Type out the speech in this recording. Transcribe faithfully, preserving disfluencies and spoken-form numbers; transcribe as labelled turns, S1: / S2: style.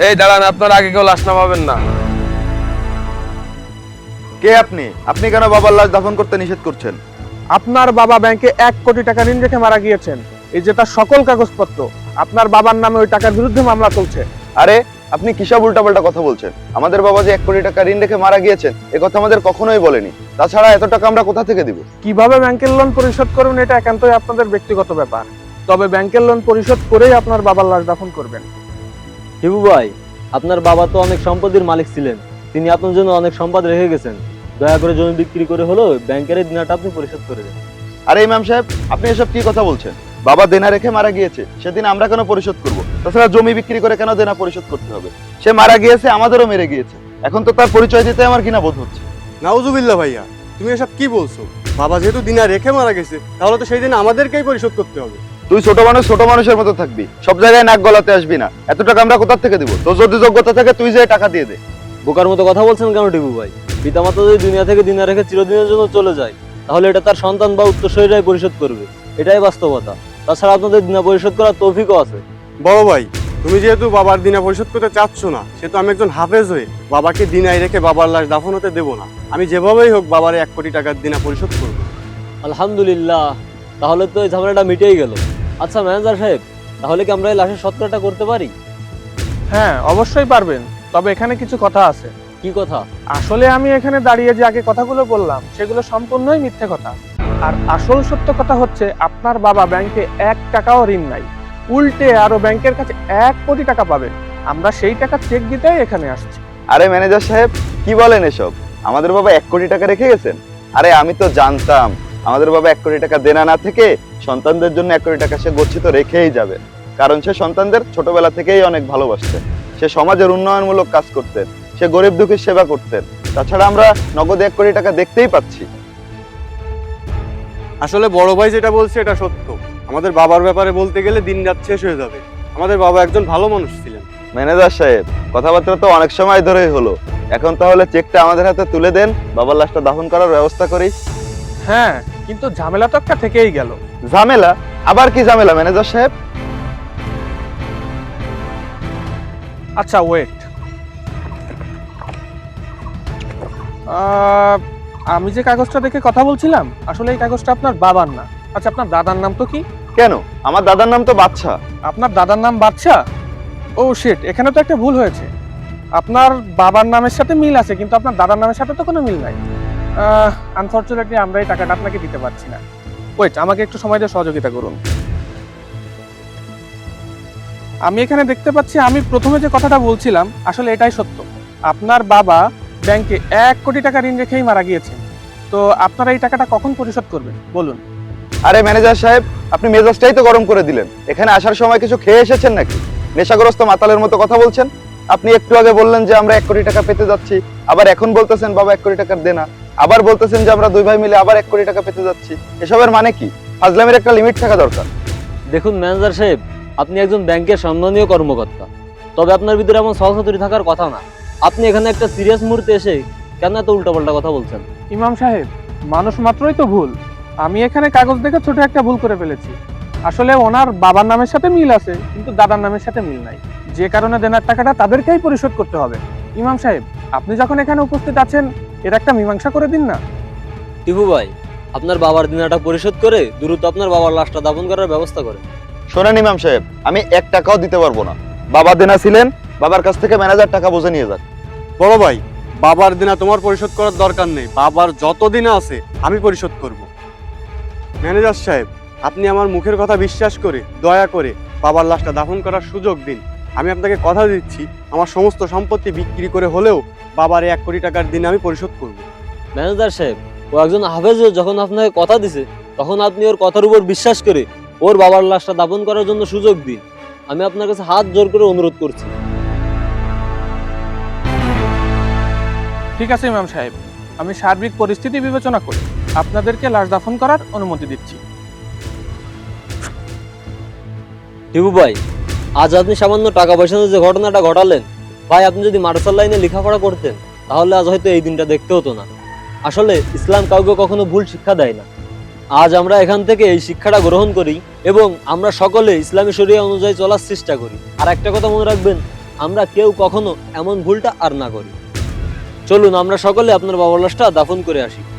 S1: এই দাঁড়ান, আপনার আগে কেউ লাশ নামাবেন না।
S2: কে আপনি? আপনি কেন বাবার লাশ দাফন করতে নিষেধ করছেন?
S3: আপনার বাবা ব্যাংকে এক কোটি টাকা ঋণ রেখে মারা গিয়েছেন। এই যে তার সকল কাগজপত্র, আপনার বাবার নামে ওই টাকার বিরুদ্ধে মামলা চলছে।
S2: আরে আপনি কিসব উল্টাপাল্টা কথা বলছেন? আমাদের বাবা যে এক কোটি টাকা ঋণ রেখে মারা গিয়েছেন এ কথা আমাদের কখনোই বলেনি। তাছাড়া এত টাকা আমরা কোথা থেকে দিব?
S3: কিভাবে ব্যাংকের লোন পরিশোধ করবেন এটা একান্তই আপনাদের ব্যক্তিগত ব্যাপার, তবে ব্যাংকের লোন পরিশোধ করেই আপনার বাবার লাশ দাফন করবেন।
S4: হিবু ভাই, আপনার বাবা তো অনেক সম্পদের মালিক ছিলেন, তিনি আপনার জন্য অনেক সম্পদ রেখে গেছেন। দয়া করে জমি বিক্রি করে হলো ব্যাংকের এই দিনাটা আপনি পরিশোধ করে দেন।
S2: আরে ইমাম সাহেব, আপনি এসব কি কথা বলছেন? বাবা দেনা রেখে মারা গিয়েছে, সেদিন আমরা কেন পরিশোধ করব? তাছাড়া জমি বিক্রি করে কেন দেনা পরিশোধ করতে হবে? সে মারা গিয়েছে, আমাদেরও মেরে গিয়েছে, এখন তো তার পরিচয় দিতে আমার ঘৃণা বোধ হচ্ছে।
S5: নাউজুবিল্লাহ ভাইয়া, তুমি এসব কি বলছো? বাবা যেহেতু দিনা রেখে মারা গেছে, তাহলে তো সেই দিন আমাদেরকেই পরিশোধ করতে হবে।
S2: তুই ছোট মানুষ ছোট মানুষের মতো থাকবি, সব জায়গায় নাক গলাতে আসবি না। এত টাকা আমরা কোথা থেকে দিব? তোর যদি যোগ্যতা থাকে তুই যে টাকা দিয়ে দে।
S4: বোকার মতো কথা বলছেন কেন টিপু ভাই? পিতামাতা যদি দুনিয়া থেকে দিনা রেখে চিরদিনের জন্য চলে যায়, তাহলে এটা তার সন্তান বা উত্তরসূরিরাই পরিশোধ করবে, এটাই বাস্তবতা। তাছাড়া আপনাদের দিনা পরিশোধ করার তৌফিকও আছে।
S5: বড় ভাই, তুমি যেহেতু বাবার দিনা পরিশোধ করতে চাচ্ছ না, সেহেতু আমি একজন হাফেজ হয়ে বাবাকে দিনায় রেখে বাবার লাশ দাফন হতে দেবো না। আমি যেভাবেই হোক বাবার এক কোটি টাকার দিনা পরিশোধ করবো।
S4: আলহামদুলিল্লাহ, তাহলে তো এই ঝামেলাটা মিটেই গেল। আচ্ছা ম্যানেজার সাহেব, তাহলে কি আমরা এই লাশের সৎকারটা করতে পারি?
S3: হ্যাঁ, অবশ্যই পারবেন, তবে এখানে কিছু কথা আছে।
S4: কি কথা?
S3: আসলে আমি এখানে দাঁড়িয়ে যে আগে কথাগুলো বললাম সেগুলো সম্পূর্ণই মিথ্যে কথা। আর আসল সত্য কথা হচ্ছে আপনার বাবা ব্যাংকে এক টাকাও ঋণ নাই, উল্টে আরো ব্যাংকের কাছে এক কোটি টাকা পাবেন। আমরা সেই টাকা চেক দিতেই এখানে আসছি।
S2: আরে ম্যানেজার সাহেব, কি বলেন এসব? আমাদের বাবা এক কোটি টাকা রেখে গেছেন? আরে আমি তো জানতাম আমাদের বাবা এক কোটি টাকা দেনা না থেকে সন্তানদের জন্য এক কোটি টাকা সে গচ্ছিত রেখেই যাবে, কারণ সে সন্তানদের ছোটবেলা থেকেই অনেক ভালোবাসতেন। সে সমাজের উন্নয়নমূলক কাজ করতেন, সে গরিব দুঃখীর সেবা করতেন। তাছাড়া আমরা নগদে এক কোটি টাকা দেখতেই পাচ্ছি।
S5: আসলে বড় ভাই যেটা বলছে এটা সত্য। আমাদের বাবার ব্যাপারে বলতে গেলে দিন রাত শেষ হয়ে যাবে। আমাদের বাবা একজন ভালো মানুষ ছিলেন।
S2: ম্যানেজার সাহেব, কথাবার্তা তো অনেক সময় ধরেই হলো, এখন তাহলে চেকটা আমাদের হাতে তুলে দেন, বাবার লাশটা দাফন করার ব্যবস্থা করি।
S3: হ্যাঁ, কিন্তু ঝামেলা তো একটা থেকেই গেল।
S2: ঝামেলা? আবার কি ঝামেলা ম্যানেজার সাহেব?
S3: আচ্ছা ওয়েট, আমি যে কাগজটা দেখে কথা বলছিলাম আসলে এই কাগজটা আপনার বাবার না। আচ্ছা, আপনার দাদার নাম তো কি?
S2: কেন? আমার দাদার নাম তো বাদশা।
S3: আপনার দাদার নাম বাদশা? ও শিট, এখানে তো একটা ভুল হয়েছে। আপনার বাবার নামের সাথে মিল আছে, কিন্তু আপনার দাদার নামের সাথে তো কোনো মিল নাই। আনফরচুনেটলি আমরা এই টাকাটা আপনাকে দিতে পারছি না। ওয়েট, আমাকে একটু সময় দিয়ে সহযোগিতা করুন। আমি এখানে দেখতে পাচ্ছি আমি প্রথমে যে কথাটা বলছিলাম আসলে এটাই সত্য। আপনার বাবা ব্যাংকে এক কোটি টাকা ঋণ রেখেই মারা গিয়েছেন। তো আপনারা এই টাকাটা কখন পরিশোধ করবেন বলুন?
S2: আরে ম্যানেজার সাহেব, আপনি মেজাজটাই তো গরম করে দিলেন। এখানে আসার সময় কিছু খেয়ে এসেছেন নাকি? নেশাগ্রস্ত মাতালের মতো কথা বলছেন। আপনি একটু আগে বললেন যে আমরা এক কোটি টাকা পেতে যাচ্ছি, আবার এখন বলতেছেন বাবা এক কোটি টাকার দেনা, আবার বলতেছেন যে আমরা দুই ভাই মিলে আবার এক কোটি টাকা পেতে যাচ্ছি। এসবের মানে কি? ফাজলামের একটা লিমিট থাকা দরকার।
S4: দেখুন ম্যানেজার সাহেব, আপনি একজন ব্যাংকের সম্মানীয় কর্মকর্তা, তবে আপনার ভিতরে এমন সহসাতুরি থাকার কথা না। আপনি এখানে একটা সিরিয়াস মুহূর্তে এসে কেন এত উল্টাপাল্টা কথা বলছেন?
S3: ইমাম সাহেব, মানুষ মাত্রই তো ভুল। আমি এখানে কাগজ দেখে ছোট একটা ভুল করে ফেলেছি। আসলে ওনার বাবার নামের সাথে মিল আছে, কিন্তু দাদার নামের সাথে মিল নাই, যে কারণে দেনার টাকাটা তাদেরকেই পরিশোধ করতে হবে। ইমাম সাহেব, আপনি যখন এখানে উপস্থিত আছেন এর একটা মীমাংসা করে দিন না।
S4: টিপু ভাই, আপনার বাবার দিনাটা পরিশোধ করে দ্রুত আপনার বাবার লাশটা দাফন করার ব্যবস্থা করেন।
S2: শোনেন ইমাম সাহেব, আমি এক টাকাও দিতে পারবো না। বাবা দেনা ছিলেন, বাবার কাছ থেকে ম্যানেজার টাকা বুঝে নিয়ে যাক।
S5: বড় ভাই, বাবার দিনা তোমার পরিশোধ করার দরকার নেই। বাবার যত দিনা আছে আমি পরিশোধ করব। ম্যানেজার সাহেব, আপনি আমার মুখের কথা বিশ্বাস করে দয়া করে বাবার লাশটা দাফন করার সুযোগ দিন। আমি আপনাকে কথা দিচ্ছি, আমার সমস্ত সম্পত্তি বিক্রি করে হলেও বাবার এক কোটি টাকার দিন আমি পরিশোধ করব।
S4: ম্যানেজার সাহেব, ও একজন হাফেজ যখন আপনাকে কথা দিছে, তখন আপনি ওর কথার উপর বিশ্বাস করে ওর বাবার লাশটা দাফন করার জন্য সুযোগ দিন। আমি আপনার কাছে হাত জোর করে অনুরোধ করছি।
S3: ঠিক আছে ইমাম সাহেব, আমি সার্বিক পরিস্থিতি বিবেচনা করে আপনাদেরকে লাশ দাফন করার অনুমতি দিচ্ছি।
S4: টিপু ভাই, আজ আপনি সামান্য টাকা পয়সা যে ঘটনাটা ঘটালেন, ভাই আপনি যদি মাদ্রাসার লাইনে লেখাপড়া করতেন তাহলে আজ হয়তো এই দিনটা দেখতে হতো না। আসলে ইসলাম কাউকে কখনো ভুল শিক্ষা দেয় না। আজ আমরা এখান থেকে এই শিক্ষাটা গ্রহণ করি এবং আমরা সকলে ইসলামী শরিয়া অনুযায়ী চলার চেষ্টা করি। আর একটা কথা মনে রাখবেন, আমরা কেউ কখনো এমন ভুলটা আর না করি। চলুন আমরা সকলে আপনার বাবার লাশটা দাফন করে আসি।